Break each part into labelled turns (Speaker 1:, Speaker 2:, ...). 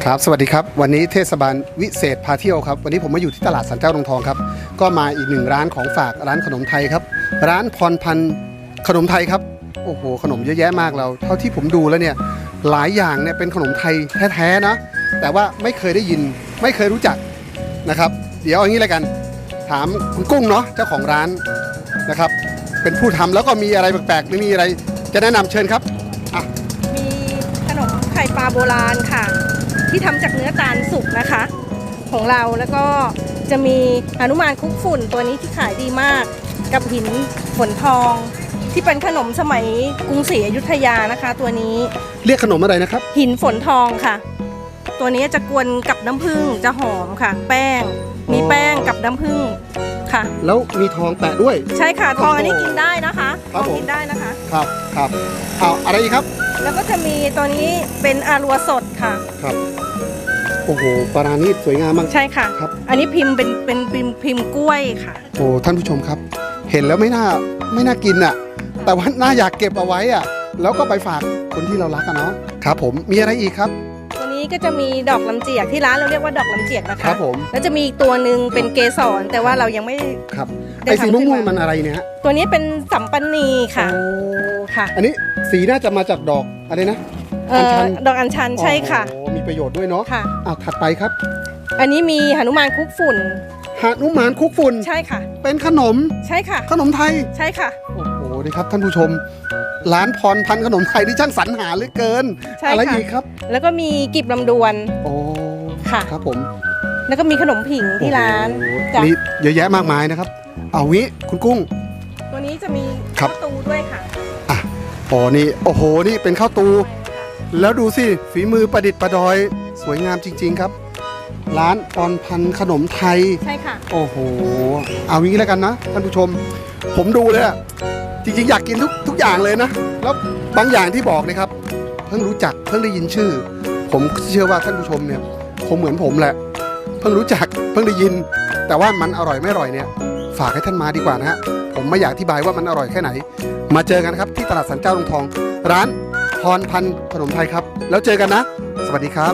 Speaker 1: ครับสวัสดีครับวันนี้เทศบาลวิเศษพาเที่ยวครับวันนี้ผมมาอยู่ที่ตลาดสันเจ้าดงทองครับก็มาอีกหนึ่งร้านของฝากร้านขนมไทยครับร้านพรพันธ์ขนมไทยครับโอ้โหขนมเยอะแยะมากเราเท่าที่ผมดูแล้วเนี่ยหลายอย่างเนี่ยเป็นขนมไทยแท้ๆนะแต่ว่าไม่เคยได้ยินไม่เคยรู้จักนะครับเดี๋ยวอย่างนี้เลยกันถามคุณกุ้งเนาะเจ้าของร้านนะครับเป็นผู้ทำแล้วก็มีอะไรแปลกๆหรือมีอะไรจะแนะนำเชิญครับ
Speaker 2: มีขนมไข่ปลาโบราณค่ะที่ทำจากเนื้อตาลสุกนะคะของเราแล้วก็จะมีหนุมานคุกฝุ่นตัวนี้ที่ขายดีมากกับหินฝนทองที่เป็นขนมสมัยกรุงศรีอยุธยานะคะตัวนี้
Speaker 1: เรียกขนมอะไรนะครับ
Speaker 2: หินฝนทองค่ะตัวนี้จะกวนกับน้ำผึ้งจะหอมค่ะแป้งมีแป้งกับน้ำผึ้งค่ะ
Speaker 1: แล้วมีทองแปะด้วย
Speaker 2: ใช่ค่ะทองอันนี้กินได้นะคะ
Speaker 1: ทอง
Speaker 2: กินได้นะคะ
Speaker 1: ครับเอาอะไรอีกครับ
Speaker 2: แล้วก็จะมีตัวนี้เป็นอารัวสดค่ะ
Speaker 1: ครับโอ้โหปลาณีตสวยงามมาก
Speaker 2: ใช่ค่ะ
Speaker 1: ครับ
Speaker 2: อันนี้พิมพ์เป็นพิมพ์กล้วยค่ะ
Speaker 1: โอ้ท่านผู้ชมครับเห็นแล้วไม่น่ากินอ่ะแต่ว่าน่าอยากเก็บเอาไว้อ่ะแล้วก็ไปฝากคนที่เรารักกันเนาะครับผมมีอะไรอีกครับ
Speaker 2: ตัวนี้ก็จะมีดอกลำเจียกที่ร้านเราเรียกว่าดอกลำเจียกนะคะ
Speaker 1: ครับผม
Speaker 2: แล้วจะมีอีกตัวหนึ่งเป็นเกสรแต่ว่าเรายังไม่
Speaker 1: ครับไอ้สีม่วงๆมันอะไรเนี่ยฮะ
Speaker 2: ตัวนี้เป็นสัมปันนีค่ะค่ะ
Speaker 1: อันนี้สีน่าจะมาจากดอกอะไรนะ
Speaker 2: อัญชันดอกอัญชันใช่ค่ะ
Speaker 1: มีประโยชน์ด้วยเนาะ
Speaker 2: ค่ะ
Speaker 1: ถัดไปครับ
Speaker 2: อันนี้มีหนุมานคุกฝุ่น
Speaker 1: หนุมานคุกฝุ่น
Speaker 2: ใช่ค่ะ
Speaker 1: เป็นขนม
Speaker 2: ใช่ค่ะ
Speaker 1: ขนมไทย
Speaker 2: ใช่ค่ะ
Speaker 1: โอ้โหดีครับท่านผู้ชมร้านพรพันธ์ขนมไทยที่ช่างสรรหาเหลือเกินอะไรอีกครับ
Speaker 2: แล้วก็มีกีบลำดวน
Speaker 1: โอ้
Speaker 2: ค่ะ
Speaker 1: ครับผม
Speaker 2: แล้วก็มีขนมผิงที่ร้าน
Speaker 1: นี่เยอะแยะมากมายนะครับเอางี้คุณกุ้ง
Speaker 2: ตัวนี้จะมีข้าวตูด้วยค่ะ
Speaker 1: นี่โอ้โหนี่เป็นข้าวตูแล้วดูสิฝีมือประดิษฐ์ประดอยสวยงามจริงๆครับร้านพรพันธ์ขนมไทย
Speaker 2: ใช่ค่ะ
Speaker 1: โอ้โหเอางี้แล้วกันนะท่านผู้ชมผมดูเลยอะจริงๆอยากกินทุกอย่างเลยนะแล้วบางอย่างที่บอกนะครับเพิ่งรู้จักเพิ่งได้ยินชื่อผมเชื่อว่าท่านผู้ชมเนี่ยคงเหมือนผมแหละเพิ่งรู้จักเพิ่งได้ยินแต่ว่ามันอร่อยไม่อร่อยเนี่ยฝากให้ท่านมาดีกว่านะฮะผมไม่อยากอธิบายว่ามันอร่อยแค่ไหนมาเจอกันครับที่ตลาดสันเจ้าดงทองร้านพรพันธ์ขนมไทยครับแล้วเจอกันนะสวัสดีครับ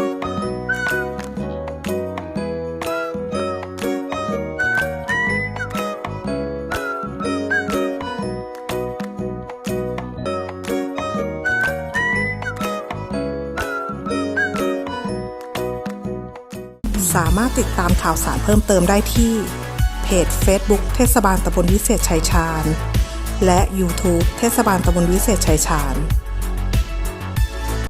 Speaker 3: สามารถติดตามข่าวสารเพิ่มเติมได้ที่เพจ Facebook เทศบาลตำบลวิเศษชัยชาญและ YouTube เทศบาลตำบลวิเศษชัยชาญ